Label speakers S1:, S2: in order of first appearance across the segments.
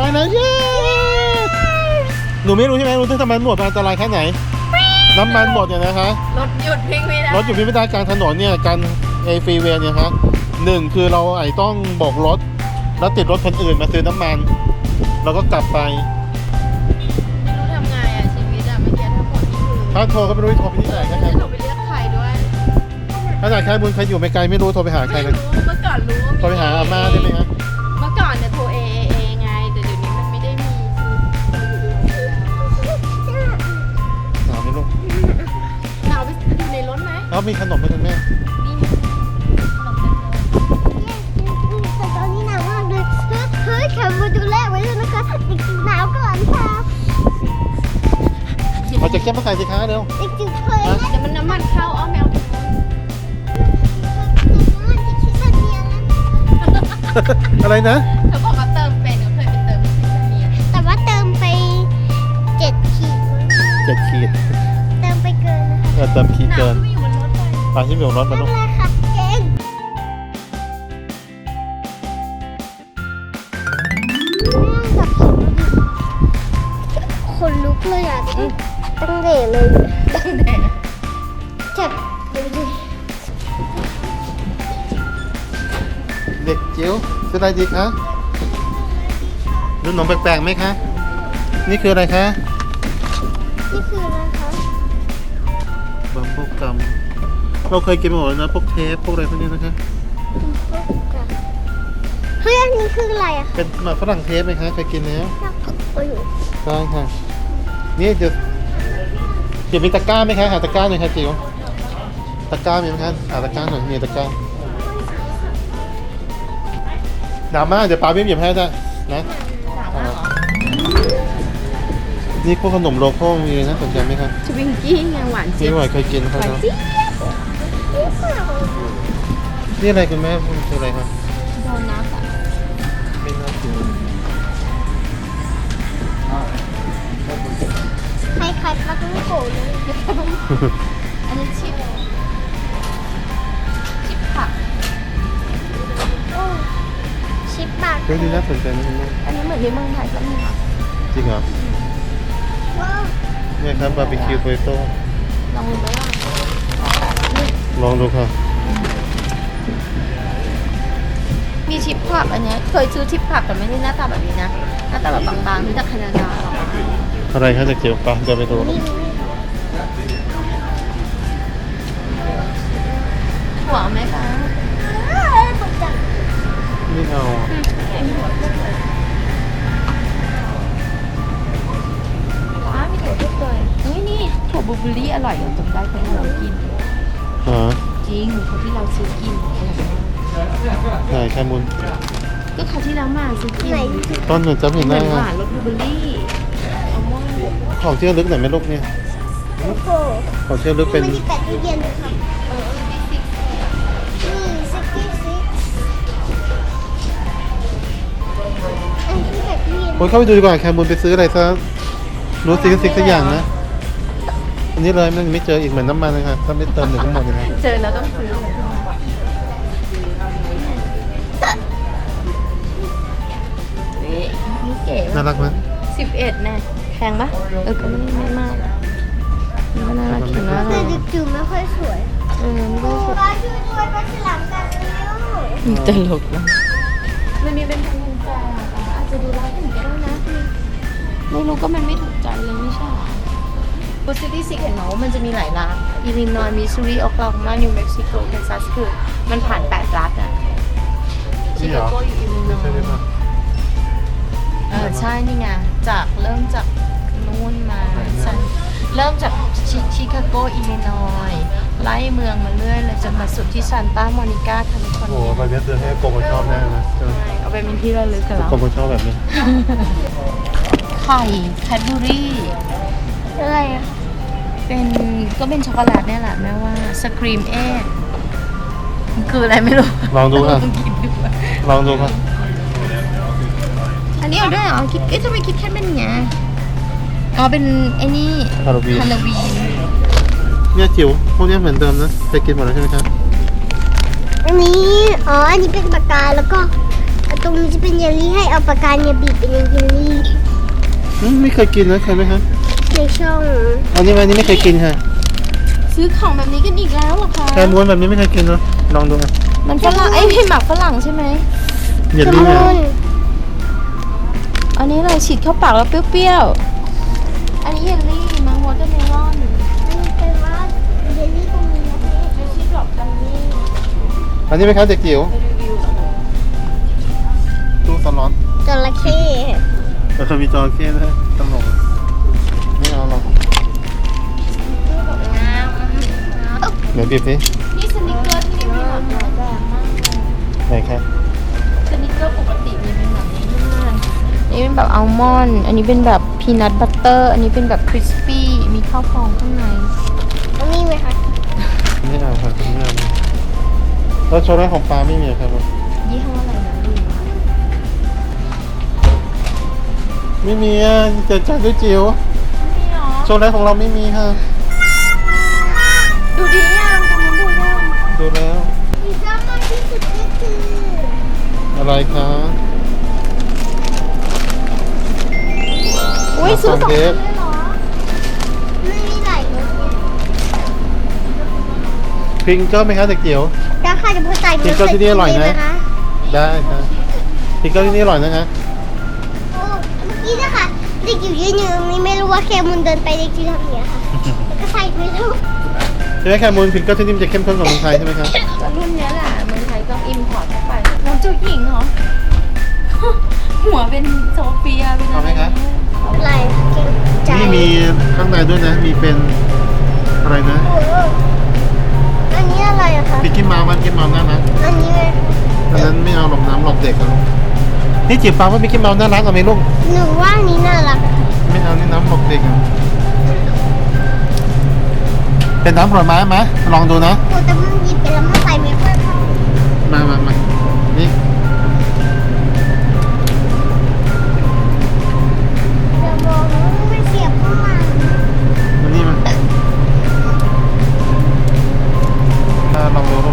S1: แล้วเย้หนูไม่รู้ใช่ไหมรู้ที่ทำไมหนวดมันอันตรายแค่ไหนน้ำมันหมดเนี่ยนะคะ
S2: รถหยุดวิ่งไม่ได้
S1: รถอยู่พิพิธภัณฑ์กลางถนนเนี่ยการฟรีเวย์เนี่ยครับหนึ่งคือเราไอ้ต้องโบกรถแล้วติดรถคนอื่นมาซื้อน้ำมันเราก็กลับไป
S2: รู้ทำไงอ่ะชีวิตอ่ะเมื่อกี้ทั้งหมดนี่คือ
S1: ถ้าโทรก็ไม่รู้จะโทรไปที่ไหนนะครับ
S2: ไม่รู้ไปเรียกใครด้วย
S1: ถ้าไหนใครบุญใครอยู่ไม่ไกลไม่รู้โทรไปหาใคร
S2: ไม่
S1: กัน
S2: รู้เมื่อก่อนรู้
S1: โทรไปหาอาม่าได้ไหมครับ
S2: เมื่อก่อนเนี่ยโทรเอไงแต่เดี๋ยวนี้มันไม่ได้มี
S1: หนาวไหมลูก
S2: เราไปดูในรถไหม
S1: แล้วมีขนมไหมคุณแม่
S2: นี่ขนมเต็มเลย
S3: แต่ตอนนี้หนาวมากเลยเฮ้ยแคมมาดูแลไว้ด้วยนะคะเด็กจิ๋วหนาวก่อนค่ะ
S1: เอาแจ็คเก็ตมาใส่สิคะเร็ว
S3: เด็กจิ๋วเคยนะ
S2: เดี๋ยวมันน้ำมันเข้าอ้อมแมว
S3: มันจะคิดแบบนี้นะ
S1: อะไรนะ
S2: เขาบอกว่าเติมเป็นเขาเคยไปเติมที่เนีย
S3: แต่ว่าเติมไป7 ขีด
S1: 7 ขีด
S3: เติมไปเกินนะคะ
S1: เติมขีด
S2: หนาว
S1: เกิน
S2: ที่อยู่บนรถเลย
S1: ปลาที่มีของรถมา
S3: นั่
S1: ลู
S3: น
S1: ก
S3: แหละค่ะเก่งจับผิดคนลุกเลยอ่ะตั้งเดเลย
S2: ตั้งแต่
S3: จับดูดิ
S1: เด็กจิ๋วซื้ออะไรดีคะดูขนมแปลกๆไหมคะนี่คืออะไรคะ
S3: นี่คืออะไรคะ
S1: บัมโบกัมเราเคยกินมาหมดแล้วนะพวกเทปพวกอะไรพวกนี้นะคะ
S3: เฮ้ยอันนี้คืออะไรอ่ะ
S1: เป็นหมากฝรั่งเทปไหมคะเคยกินแล้ว
S3: โอ้ย
S1: ใช่ค่ะนี่เดี๋ยวมีตะกร้าไหมคะหาตะกร้าหน่อยค่ะจิ๋วตะกร้ามีไหมคะหาตะกร้าหน่อยมีตะกร้าหนาวมากเดี๋ยวปาวิ่งหยิบให้ได้นะนี่พวกขนมโลโก้มีนะสนใจไหมครับ
S2: ชวิงกี้ไงหวาน
S1: นี่
S2: เจี๊ยบ
S1: หวานเคยกินครับ
S2: หวานเจี๊ยบ
S1: นี่อะไรคุณแม่คืออะไรครับ
S2: โดนัทอ่ะ
S1: ไม่น่ากิน
S3: คล้ายๆปลาต้องโกะเลย
S2: อันนี้ชิปผัก
S3: โอ้ชิปปาก
S1: เรื่องนี้น่าสนใจนะคุณแม่
S2: อันนี้เหมือนที่เมืองไทยก็มีค่ะ
S1: จริงเหรอ
S3: ว้าว
S1: เนี่ยครับบาร์บีคิวโปเตโต้
S2: ลองดูไหมล่ะ
S1: ลองดูค่ะ
S2: มีชิปผักอันเนี้ยเคยซื้อชิปผักแต่ไม่ได้หน้าตาแบบนี้นะหน้าตาแบบบางๆที่จากแคนาดาหรอก
S1: อะไรคะจะเกี่ยวปะจะไปดู
S2: หัวไหมคะ
S3: ตกใจ
S1: ไม่เอา
S2: ว้ามีถั่วทุกเลยนี่ถั่วบลูเบอร์รี่อร่อยจำได้ที่เรากิน
S1: ฮะ
S2: จริงเขาที่เราซื้อกิน
S1: ไหนแคมุน
S2: ก็เขาวที่เรามาซื้อกิน
S3: ไหน
S1: ต้นหนึ่งจำเห็น
S2: เหมื
S1: ได้
S2: อนห
S1: ไหม
S2: วานรสบลูเบอร์รี่อัลมอนด์
S1: ของที่ระลึกไหนไหมลูกเนี่ย
S3: โอ้โห
S1: ของที่ระลึกเป็น
S3: มันมีแปดตู้เย็นด้วยครับนี่66อันที่แปดตู้เย็น
S1: คนเข้าไปดูดีกว่าแคมุนไปซื้ออะไรซะรู้ซิกสักอย่างนะอันนี้เลยมันไม่เจออีกเหมือนน้ำมันเลยค่ะถ้าไม่เติมหนึ่งทั้งหมดเลยนะ
S2: เจอแล้วต้องซื้อนี่เก๋
S1: น่ารักไหม
S2: 11นะแพงปะก็ไม่มากมันก็น่ารักเขียนว่า
S3: แต่เด็กจิ๋วไม่ค่อยสวย
S2: ไม่ได้สวย
S3: ปลาช่วยด้วยปลาฉลามกันเร็ว
S2: ตลกนะมันมีเป็นพันกุญแจอาจจะดูร้ายถึงก็ได้นะไม่รู้ก็มันไม่ถูกใจเลยไม่ใช่โพสตี้ซิกเห็นไหมว่ามันจะมีหลายรัฐอิลลินอยส์มิสซูรีโอคลาโฮมานิวเม็กซิโกแคนซัสคือมันผ่าน8รัฐอ่ะชิคาโกอยู่อิลลินอย
S1: ใช่ไหม
S2: ส์
S1: ครับ
S2: ใช่นี่ไงจากเริ่มจากนู่นมาเริ่มจากชิคาโกอิลลินอยส์ไล่เมืองมาเรื่อยเลยจนมาสุดที่ซานตาโมนิกาแคลิฟอร์
S1: โอ้
S2: เนีย
S1: ใบนี้ซื้อให้โกโกชอบแน่นะ
S2: ใช่เอาไปเป็นที่ระลึกกันแล้ว
S1: โกโกชอบแบบนี้
S2: ไข่แคดบูรี่
S3: อะไรอ่ะ
S2: เป็นก็เป็นช็อกโกแลตเนี่ยแหละแม่ว่าสครีมเอ็กคืออะไรไม่รู้
S1: ลองดูค่ะ
S2: ลองกินดูอะ
S1: ลองดูค่ะ
S2: อันนี้เอาด้วยเหรอคิดทำไมคิดแค่เป็นอย่างเงี้ยอ๋อเป็นไอ้นี่
S1: ฮาโลวีน
S2: ฮาโลวีน
S1: เนี่ยจิ๋วพวกนี้เหมือนเดิมนะไปกินหมดแล้วใช่ไหมครับ
S3: อันนี้อันนี้เป็นปากกาแล้วก็ตรงนี้จะเป็นเยลลี่ให้เอาปากกาเนี่ยบีบเป็นเยลลี่
S1: ไม่เคยกินนะเคยไหมฮะ
S3: ในช่อง
S1: อันนี้ไม่เคยกินค่ะ
S2: ซื้อของแบบนี้กันอีกแล้วเหรอคะ
S1: แคม้วนแบบนี้ไม่เคยกินเนาะลองดูอ่ะ
S2: มันฝรั่งพี่หมักฝรั่งใช่ไหม
S1: เยลลี่เนี่ย
S2: อันนี้อะไรฉีดเข้าปากแล้วเปรี้ยวๆ อันนี้เยลลี่มังวอเตอร์เมลอน
S3: อันนี้เป็นว่าเยลลี่ตรงนี้นะ
S2: เจสซี่ดรอปกันนี่
S1: อันนี้ไหมครับเด็กจิ๋ว
S2: ไปรีวิว
S1: ตู้สล็อต
S3: จระเข้
S1: แต่เคยมีจระเข้ด้วยตลกไม่เอาหรอก
S3: น้
S1: เดี๋ยวบีบสิ
S2: นี่สนิกเกอร์ที่นี่มีหลากหลายแบบมากเลย
S1: ไหนครับ
S2: สนิกเกอร์ปกติมีเป็นแบบนี้ด้วยอันนี้เป็นแบบอัลมอนด์ อันนี้เป็นแบบพีนัทบัตเตอร์ อันนี้เป็นแบบคริสปี้ มีข้าวฟองข้างใน
S3: ำอันนี้ไหมคะ
S1: ไม่เอาครับไม่เอาแล้วโชว์แรกของปลาไม่มีเหรอครับ
S2: ยี่ห้ออะไรนะลืมละ
S1: ไม่มีอ่ะเจอจัดด้วยจิ๋ว
S2: นี่เหรอ
S1: โชว์แรกของเราไม่มีค่ะ
S2: ดูดียังตรงนู้นดูยัง
S1: ดูแล้ว
S3: ที่ชอบมากที่สุดก็คือ
S1: อะไรคะ
S2: อุ้ยซื้อสอง
S1: เท
S2: อัน
S1: ป
S2: เลยเหรอ
S3: ไม่มีหลายรสเนี่ย
S1: พิงเกิลไหมคะเด็กจิ๋ว
S3: แล้วค่ะจะพูดใจ
S1: จริงก็ที่นี่อร่อยนะ
S3: ไหมคะ
S1: ได้ครับพิงเกิลที่นี่อร่อยนะคะ
S3: โอ้เมื่อกี้นะคะเด็กอยู่ยืนอยู่ตรงนี้ไม่รู้ว่าเคมุนเดินไปเด็กจิ๋วทำอย่างเงี้ยค่ะแล้วก็ใส่ไม่รู้
S1: ใช่ไหมแคมูลพิงเกิลที่นี่มันจะเข้มข้นกว่าเมืองไทยใช่ไหมครับ
S2: ก็รุ่นเนี้ยแหละเมืองไทยต้องอิมพอร์ตเข้าไปน้องเจ้าหญิงเหรอ หัวเป็นโซเฟียเป็นอะไร
S1: เอาไหมคะ
S3: อะไรเก่งใจ
S1: นี่มีข้างในด้วยนะ มีเป็นอะไรนะ
S3: โอ้โหอันนี้อะไรอะคะ
S1: พิกกี้เมาส์มันพิกกี้เมาส์น่ารัก
S3: อันนี้เลย
S1: อันนั้นไม่เอาหลบน้ำหลบเด็กอะลูกนี่จิ๋วฟังว่าพิกกี้เมาส์น่ารักเอาไหมลูก
S3: หนูว่าอันนี้น่ารักอะ
S1: ไม่เอานี่น้ำหลบเด็กอะเป็นน้ำผลไม้ไหมลองดูนะ
S3: โอ้แต่มันหยิบไปแล้วมันใส่ไม่ค่อยเข้า
S1: มานี่
S3: เดี๋ยวบอกนะว่าไม่เสียบเข้ามา
S1: มานี่มาลองดูลูก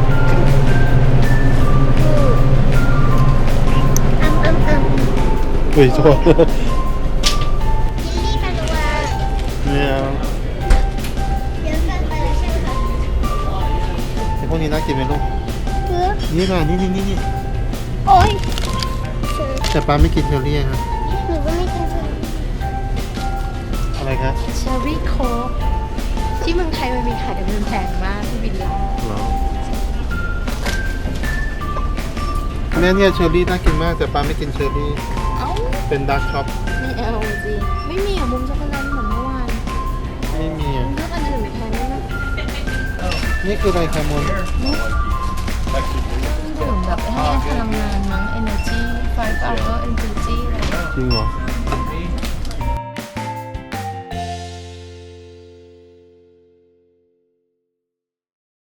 S1: อุ้ยโทษ
S3: ยินดีกันว่า
S1: ไม่เอา
S3: เยอะเกินไปแล้วใช่ไหมคะ
S1: ไอพวกนี้น่ากินไหมลูก
S3: คือ
S1: นี่ค่ะนี่
S3: โอ๊ย
S1: แต่ป้าไม่กินเชอร์รี่ครับ
S3: หนูก็ไม่กินเลย
S1: อะไรครับ
S2: เชอร์รี่โค้กที่เมืองไทยมันมีขายแต่มันแพงมากที่วิลล่า
S1: เหรอเนี่ยเชอร์รี่น่ากินมากแต่ป้าไม่กินเชอร์รี่
S2: เอ้า
S1: เป็นดาร์กช็อป
S2: ไม่เอาสิไม่มีอะมุมช็อกโกแลตเหมือนเมื่อวาน
S1: ไม่มี
S2: มั
S1: อ่ะ
S2: นเลือกอันอื่นแทนได้ไหม
S1: นี่คืออะไรครับมูล
S2: ดื่มแบบให้พลังงานมั้ง energy 5 hour energy อะไร
S1: จริงเหรอ
S2: อ